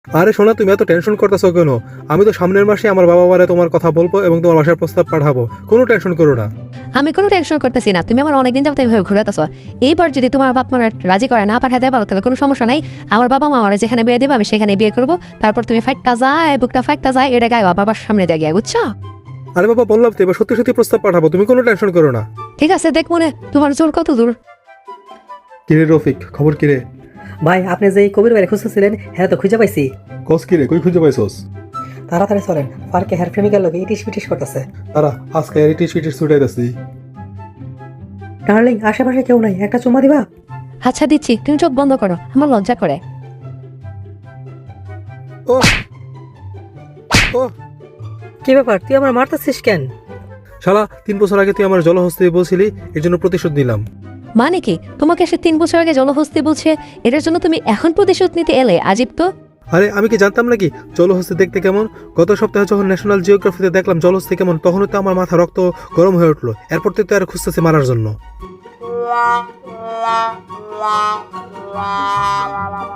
আরে শোনা, তুমি এত টেনশন করতেছো কেন? আমি তো সামনের মাসে আমার বাবা মারে তোমার কথা বলবো এবং তোমার বাসার প্রস্তাব পাঠাবো, কোনো টেনশন করো না। আমি কোনো টেনশন করতেছি না, তুমি আমার অনেকদিন যাবত এইভাবে ঘুরাতেছো। এইবার যদি তোমার বাপ মারা রাজি করে না পাঠাতে পারো তাহলে কোনো সমস্যা নাই। আমার বাবা মা আমার যেখানে বিয়ে দেবে আমি সেখানে বিয়ে করবো। তারপর তুমি ফাইটটা যায়, বুকটা ফাইটটা যায়, এটা গায়ে বাবার সামনে দিয়ে গিয়ে, বুঝছো? আরে বাবা, বললাম তো এবার সত্যি সত্যি প্রস্তাব পাঠাবো, তুমি কোনো টেনশন করো না। ঠিক আছে, দেখ মনে তোমার জোর কত দূর। কিরে রফিক, খবর কিরে? ভাই আপনি যে এই কবির বাইরে খুঁজতেছিলেন হ্যাঁ তো খুঁজে পাইছি। কস কিরে, কই খুঁজে পাইছস? তাড়াতাড়ি চলেন, পার্কে হেয়ার প্রেমিকার লোক ইটিস পিটিস করতেছে। তারা আজকে এরিটিস ফিটিস ছুটাইতেছি। ডার্লিং আশেপাশে কেউ নাই, একটা চুমা দিবা? আচ্ছা দিচ্ছি, তুমি চোখ বন্ধ করো, আমার লজ্জা করে। ও ও কি ব্যাপার, তুই আমার মারতেছিস কেন? শালা, 3 বছর আগে তুই আমার জলহস্তি বলছিলি, এর জন্য প্রতিশোধ নিলাম। মানে কি, তোমাকে সে 3 বছর আগে জলহস্তি বলছে, এটার জন্য তুমি এখন প্রতিশোধ নিতে এলে? আজিব তো। আরে আমি কি জানতাম নাকি জলহস্তি দেখতে কেমন? গত সপ্তাহে যখন ন্যাশনাল জিওগ্রাফিতে দেখলাম জলহস্তি কেমন, তখনই তো আমার মাথা রক্ত গরম হয়ে উঠলো। এরপর তো আর খুঁজতেছে মারার জন্য।